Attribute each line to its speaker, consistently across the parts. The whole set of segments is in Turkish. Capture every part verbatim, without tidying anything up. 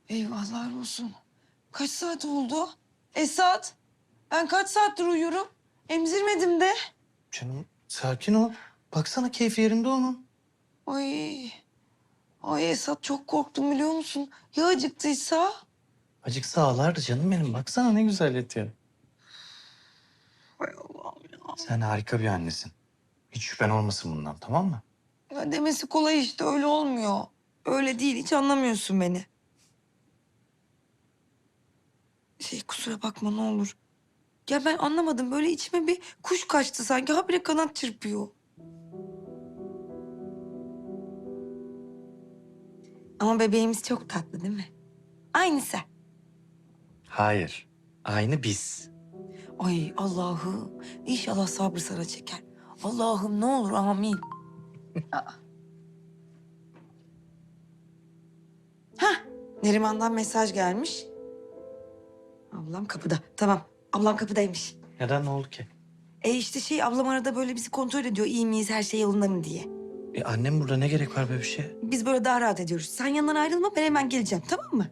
Speaker 1: Eyvahlar olsun. Kaç saat oldu? Esat, ben kaç saattir uyuyorum? Emzirmedim de.
Speaker 2: Canım sakin ol. Baksana keyfi yerinde onun.
Speaker 1: Ay, ay Esat çok korktum biliyor musun? Ya acıktıysa?
Speaker 2: Acıksa ağlardı canım benim. Baksana ne güzel yatıyor.
Speaker 1: Ay Allah'ım ya.
Speaker 2: Sen harika bir annesin. Hiç şüphen olmasın bundan, tamam mı?
Speaker 1: Ya demesi kolay işte öyle olmuyor. Öyle değil hiç anlamıyorsun beni. Şey kusura bakma ne olur. Ya ben anlamadım böyle içime bir kuş kaçtı sanki habire kanat çırpıyor. Ama bebeğimiz çok tatlı değil mi? Aynı sen.
Speaker 2: Hayır. Aynı biz.
Speaker 1: Ay Allah'ım inşallah sabrı sana çeker. Allah'ım ne olur amin. Aa. Hah Neriman'dan mesaj gelmiş. Ablam kapıda. Tamam ablam kapıdaymış.
Speaker 2: Neden, ne oldu ki?
Speaker 1: E işte şey ablam arada böyle bizi kontrol ediyor iyi miyiz her şey yolunda mı diye.
Speaker 2: E annem burada, ne gerek var böyle bir şeye?
Speaker 1: Biz böyle daha rahat ediyoruz. Sen yanından ayrılma ben hemen geleceğim tamam mı?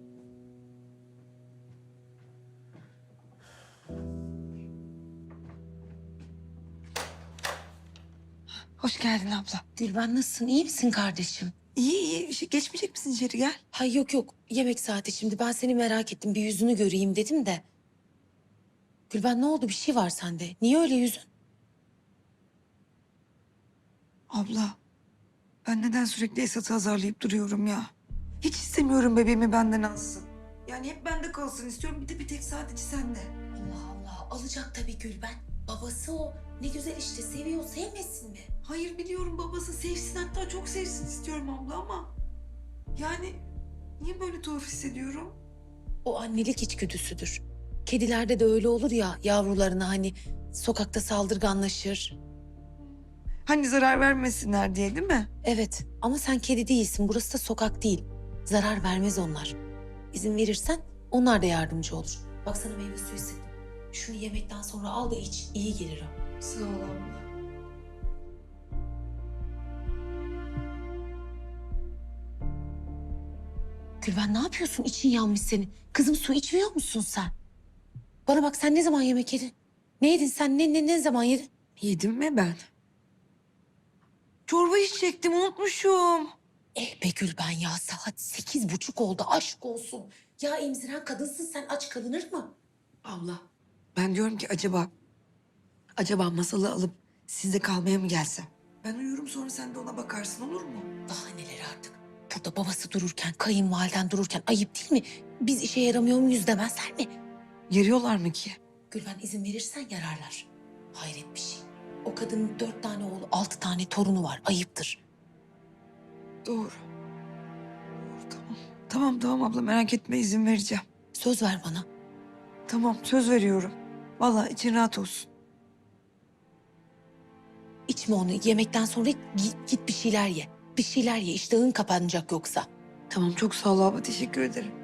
Speaker 1: Hoş geldin abla.
Speaker 3: Gülben nasılsın? İyi misin kardeşim?
Speaker 1: İyi iyi. Şey, geçmeyecek misin içeri gel.
Speaker 3: Hay yok yok. Yemek saati şimdi. Ben seni merak ettim. Bir yüzünü göreyim dedim de. Gülben ne oldu? Bir şey var sende. Niye öyle yüzün?
Speaker 1: Abla ben neden sürekli Esat'ı azarlayıp duruyorum ya? Hiç istemiyorum bebeğimi benden alsın. Yani hep bende kalsın istiyorum. Bir de bir tek sadece sende.
Speaker 3: Allah Allah. Alacak tabii Gülben. Babası o. Ne güzel işte. Seviyor. Sevmesin mi?
Speaker 1: Hayır biliyorum babası sevsin hatta çok sevsin istiyorum abla ama... Yani niye böyle tuhaf hissediyorum?
Speaker 3: O annelik içgüdüsüdür. Kedilerde de öyle olur ya yavrularına hani sokakta saldırganlaşır.
Speaker 1: Hani zarar vermesinler diye değil mi?
Speaker 3: Evet ama sen kedi değilsin. Burası da sokak değil. Zarar vermez onlar. İzin verirsen onlar da yardımcı olur. Bak sana meyve suyu sıktım. Şunu yemekten sonra al da iç. İyi gelir o.
Speaker 1: Sağ ol abla.
Speaker 3: Gülben ne yapıyorsun? İçin yanmış senin. Kızım su içmiyor musun sen? Bana bak sen ne zaman yemek yedin? Ne yedin sen? Ne, ne, ne zaman yedin?
Speaker 1: Yedim mi ben? Çorba içecektim unutmuşum.
Speaker 3: Eh be Gülben ya saat sekiz buçuk oldu aşk olsun. Ya emziren kadınsın sen aç kalınır mı?
Speaker 1: Abla ben diyorum ki acaba... Acaba masalı alıp sizde kalmaya mı gelsem? Ben uyurum sonra sen de ona bakarsın olur mu?
Speaker 3: Daha neler artık. Burada babası dururken, kayınvaliden dururken ayıp değil mi? Biz işe yaramıyor muyuz demezler mi?
Speaker 1: Yarıyorlar mı ki?
Speaker 3: Gülben izin verirsen yararlar. Hayret bir şey. O kadının dört tane oğlu, altı tane torunu var. Ayıptır.
Speaker 1: Doğru. Doğru tamam. Tamam tamam abla merak etme izin vereceğim.
Speaker 3: Söz ver bana.
Speaker 1: Tamam söz veriyorum. Vallahi için rahat olsun.
Speaker 3: İçme onu. Yemekten sonra git, git bir şeyler ye. Bir şeyler ye. İştahın kapanacak yoksa.
Speaker 1: Tamam çok sağ ol abla teşekkür ederim.